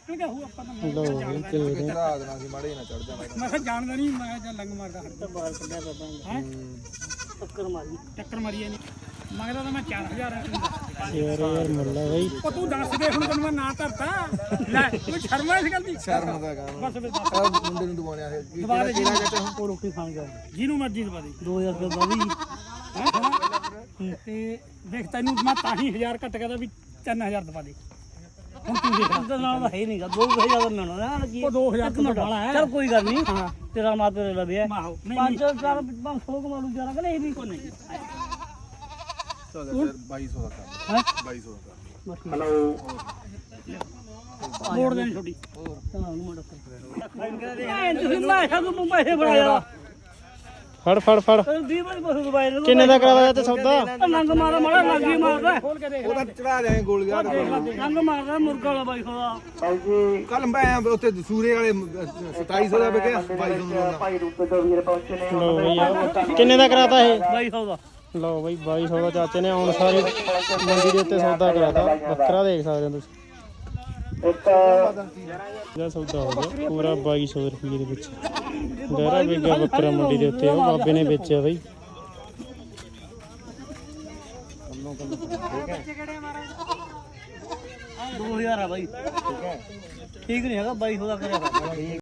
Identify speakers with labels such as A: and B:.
A: ਨਿਕਲ ਗਿਆ ਉਹ ਆਪਾਂ ਤਾਂ
B: ਲੋ ਤੇ
C: ਰਾਤ ਨਾਲ ਸੀ ਮਾੜੇ ਨਾ ਚੜ ਜਾਣਾ
A: ਮੈਂ ਕਿਹਾ ਜਾਣਦਾ ਨਹੀਂ ਮੈਂ ਜਾਂ ਲੰਗ ਮਾਰਦਾ ਹੱਟ ਬਾਹਰ ਕੱਢਿਆ ਬਾਬਾ ਹੈ ਟੱਕਰ ਮਾਰੀ ਨਹੀਂ ਮੰਗਦਾ ਤਾਂ ਮੈਂ 4000
B: ਯਾਰ ਮੁੱਲਾ ਬਈ
A: ਉਹ ਤੂੰ ਦੱਸ ਦੇ ਹੁਣ ਤੈਨੂੰ ਮੈਂ ਨਾ ਧਰਤਾ ਲੈ ਤੂੰ ਸ਼ਰਮ ਇਸ ਗੱਲ ਦੀ
C: ਸ਼ਰਮ ਦਾ ਕੰਮ
A: ਬਸ ਫਿਰ ਦੱਸ
C: ਮੁੰਡੇ ਨੂੰ ਦਵਾਉਣਿਆ ਹੈ
A: ਦਵਾ ਦੇ
C: ਕਿਹੜਾ ਕਹਿੰਦੇ ਹੁਣ
A: ਉਹ ਰੋਟੀ ਖਾਣ ਗਿਆ ਜਿਹਨੂੰ ਮਰਜ਼ੀ ਦਵਾ ਦੇ 2000 ਰੁਪਏ ਬਾਦੀ ਤੇ ਦੇਖ ਤੈਨੂੰ ਮੈਂ ਤਾਂ ਹੀ 1000 ਘੱਟ ਕਹਦਾ ਵੀ 3000 ਦਵਾ ਦੇ ਹੁਣ ਤੂੰ ਦੇਖ
D: ਤਾਂ ਨਾਲ ਹੈ ਨਹੀਂਗਾ 2000 ਮਿਲਣਾ ਨਾ ਕੀ
A: ਉਹ 2000 ਤੋਂ ਵਾਲਾ ਹੈ
D: ਚਲ ਕੋਈ ਗੱਲ ਨਹੀਂ ਤੇਰਾ ਮਾਂ ਤੇਰੇ ਲਵੇ
A: ਮਾਹੋ ਨਹੀਂ
D: 500 ਕਮਾਲੂ ਜਰਾ ਕਿ ਨਹੀਂ ਵੀ ਕੋਈ ਨਹੀਂ
C: ਚੱਲ ਫਿਰ 2200 ਦਾ ਕਰ
D: ਹੈ
C: 2200 ਦਾ ਕਰ
A: ਹਲੋ ਮੋੜ ਦੇਣੀ ਛੋਟੀ
D: ਚਲਾ ਨੂੰ ਮੋੜ ਤੁਸੀਂ ਮੈਂ ਸਾਨੂੰ ਪੈਸੇ ਬਣਾਇਆ
B: ਫੜ ਫੜ ਫੜ
D: 20 ਵਾਰੀ ਪੈਸੇ ਦਵਾਏ ਨੇ
B: ਕਿੰਨੇ ਦਾ ਕਰਾਇਆ ਤੇ ਸੌਦਾ
D: ਨੰਗ ਮਾਰਾ ਮਾੜਾ ਲੱਗੀ ਮਾਰਦਾ
A: ਖੋਲ ਕੇ ਦੇਖ
C: ਉਹਦਾ ਚੜਾ ਦੇ ਗੋਲੀਆਂ
D: ਨੰਗ ਮਾਰਦਾ ਮੁਰਗਾ ਵਾਲਾ ਬਾਈ ਖੋਦਾ
C: ਕੱਲ ਮੈਂ ਉੱਥੇ ਸੂਰੇ ਵਾਲੇ 2700 ਦਾ ਵਿਕਿਆ 2200 ਦਾ
B: ਲੋ ਬਈ ਆ ਕਿੰਨੇ ਦਾ ਕਰਾਤਾ ਇਹ
D: ਬਾਈ ਖੋਦਾ
B: ਲਓ ਬਈ 2200 ਦਾ ਚਾਚੇ ਨੇ ਹੁਣ ਸਾਰੀ ਮੰਡੀ ਦੇ ਉੱਤੇ ਸੌਦਾ ਕਰਾਤਾ ਬੱਕਰਾ ਦੇਖ ਸਕਦੇ ਹੋ ਤੁਸੀਂ ਇਹਦਾ ਸੌਦਾ ਹੋ ਗਿਆ ਪੂਰਾ 2200 ਰੁਪਏ ਦੇ ਵਿੱਚ ਡੇਰਾ ਵੇਗਾ ਬੱਕਰਾ ਮੰਡੀ ਦੇ ਉੱਤੇ ਉਹ ਬਾਬੇ ਨੇ ਵੇਚਿਆ ਬਈ
D: 2000 ਆ ਬਾਈ ਠੀਕ ਨਹੀਂ ਹੈਗਾ 2200 ਦਾ ਕਰਿਆ